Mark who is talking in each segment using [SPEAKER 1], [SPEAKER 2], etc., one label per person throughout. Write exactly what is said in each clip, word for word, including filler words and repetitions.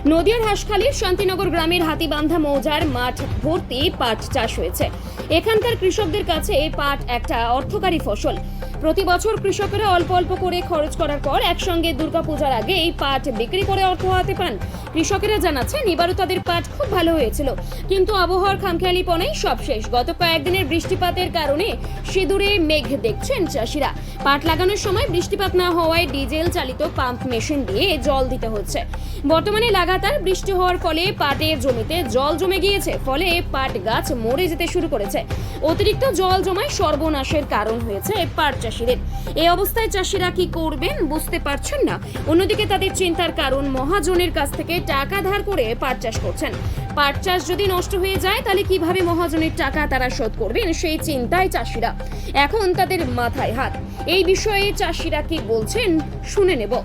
[SPEAKER 1] নদিয়ার হাঁসখালীর শান্তিনগর গ্রামের হাতিবান্ধা মৌজার মাঠ ভর্তি পাট চাষ হয়েছে। এখানকার কৃষকদের কাছে এই পাট একটা অর্থকারী ফসল। প্রতি বছর কৃষকেরা অল্প অল্প করে খরচ করার পর একসঙ্গে দুর্গাপূজার আগে এই পাট বিক্রি করে অর্থ হাতে পান। কৃষকেরা জানাচ্ছেন এবারও তাদের পাট খুব ভালো হয়েছিল, কিন্তু আবহাওয়ার খামখেয়ালিপনেই সব শেষ। গত কয়েকদিনের বৃষ্টিপাতের কারণে সিঁদুরে মেঘ দেখছেন চাষিরা। পাট লাগানোর সময় বৃষ্টিপাত না হওয়ায় ডিজেল চালিত পাম্প মেশিন দিয়ে জল দিতে হচ্ছে। বর্তমানে লাগাতার বৃষ্টি হওয়ার ফলে পাটের জমিতে জল জমে গিয়েছে, ফলে পাট গাছ মরে যেতে শুরু করেছে। অতিরিক্ত জল জমায় সর্বনাশের কারণ হয়েছে পাট চাষিদের। এই অবস্থায় চাষিরা কি করবেন বুঝতে পারছেন না। অন্যদিকে তাদের চিন্তার কারণ, মহাজনের কাছ থেকে টাকা ধার করে পাট চাষ করছেন। পাট চাষ যদি নষ্ট হয়ে যায় তাহলে কিভাবে মহাজনের টাকা তারা শোধ করবেন, সেই চিন্তায় চাষিরা। এখন তাদের মাথায় হাত। এই বিষয়ে চাষিরা কি বলছেন শুনে নেব।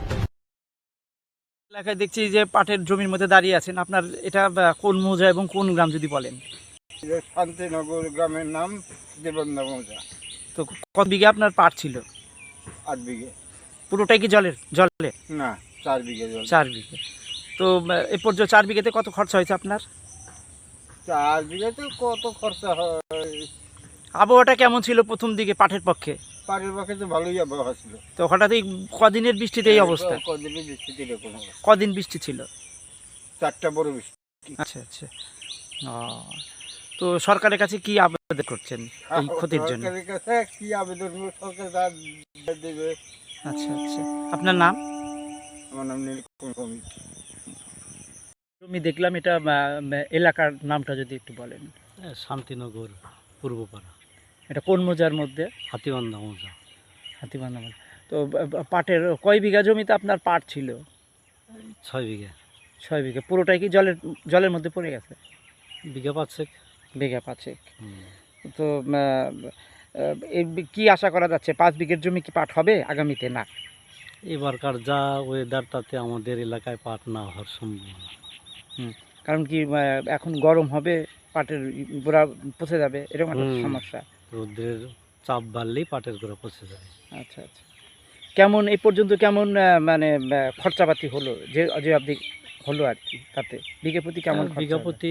[SPEAKER 2] এলাকায় দেখছি যে পাটের জমির মধ্যে দাঁড়িয়ে আছেন, আপনার এটা কোন মৌজা এবং কোন গ্রাম যদি বলেন?
[SPEAKER 3] শান্তিনগর গ্রামের নাম দেবন্দা মৌজা।
[SPEAKER 2] তো কত বিঘে আপনার পাট ছিল?
[SPEAKER 3] আট বিঘে।
[SPEAKER 2] পুরোটাই কি জলের জলে?
[SPEAKER 3] না, চার বিঘে জল।
[SPEAKER 2] চার বিঘে। তো এ পর্যন্ত চার বিঘেতে কত খরচা হয়েছে আপনার?
[SPEAKER 3] চার বিঘেতে কত খরচা হয়?
[SPEAKER 2] আবহাওয়াটা কেমন ছিল প্রথম দিকে পাটের পক্ষে?
[SPEAKER 3] পাটের পক্ষে তো ভালোই আবহাওয়া ছিল।
[SPEAKER 2] তো হঠাৎ এই কদিনের বৃষ্টিতে এই অবস্থা?
[SPEAKER 3] কদিনের বৃষ্টিতে এরকম অবস্থা।
[SPEAKER 2] কদিন বৃষ্টি ছিল?
[SPEAKER 3] চারটা বড় বৃষ্টি।
[SPEAKER 2] আচ্ছা আচ্ছা। ও, তো সরকারের কাছে কি আবেদন করছেন এই ক্ষতির জন্য?
[SPEAKER 3] সরকারের কাছে কি আবেদন করব? সরকার যা দেবে।
[SPEAKER 2] আচ্ছা আচ্ছা। আপনার নাম?
[SPEAKER 3] আমার নাম নীলকমল ভৌমিক।
[SPEAKER 2] আমি দেখলাম এটা এলাকার নামটা যদি একটু বলেন।
[SPEAKER 4] শান্তিনগর পূর্বপাড়া,
[SPEAKER 2] এটা কোন মৌজার মধ্যে?
[SPEAKER 4] হাতিবান্ধা মৌজা।
[SPEAKER 2] হাতিবান্ধা মৌজা। তো পাটের কয় বিঘা জমিতে আপনার পাট ছিল?
[SPEAKER 4] ছয় বিঘা।
[SPEAKER 2] ছয় বিঘা। পুরোটাই কি জলের জলের মধ্যে পড়ে গেছে?
[SPEAKER 4] বিঘা পাঁচেক।
[SPEAKER 2] বিঘা পাঁচেক। তো এই কি আশা করা যাচ্ছে, পাঁচ বিঘের জমি কি পাট হবে আগামীতে? না,
[SPEAKER 4] এবারকার যা ওয়েদার তাতে আমাদের এলাকায় পাট না হওয়ার সম্ভাবনা।
[SPEAKER 2] হুম, কারণ কি এখন গরম হবে, পাটের গোড়া পচে যাবে, এরকম একটা সমস্যা।
[SPEAKER 4] রোদ্রের চাপ বাড়লেই পাটের গোড়া পচে যাবে।
[SPEAKER 2] আচ্ছা আচ্ছা। কেমন এই পর্যন্ত কেমন মানে খরচাপাতি হলো যে যে আপনি হলো আর কি, তাতে বিঘে প্রতি কেমন?
[SPEAKER 4] বিঘা প্রতি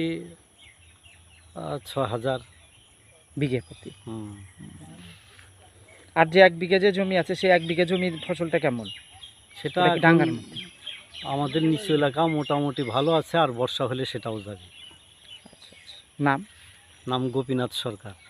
[SPEAKER 4] ছ হাজার
[SPEAKER 2] বিঘে প্রতি।
[SPEAKER 4] হুম।
[SPEAKER 2] আর যে এক বিঘা যে জমি আছে, সেই এক বিঘা জমির ফসলটা কেমন?
[SPEAKER 4] সেটা
[SPEAKER 2] ডাঙ্গার
[SPEAKER 4] আমাদের নিচু এলাকা মোটামুটি ভালো আছে, আর বর্ষা হলে সেটাও যাবে।
[SPEAKER 2] আচ্ছা আচ্ছা। নাম?
[SPEAKER 4] নাম গোপীনাথ সরকার।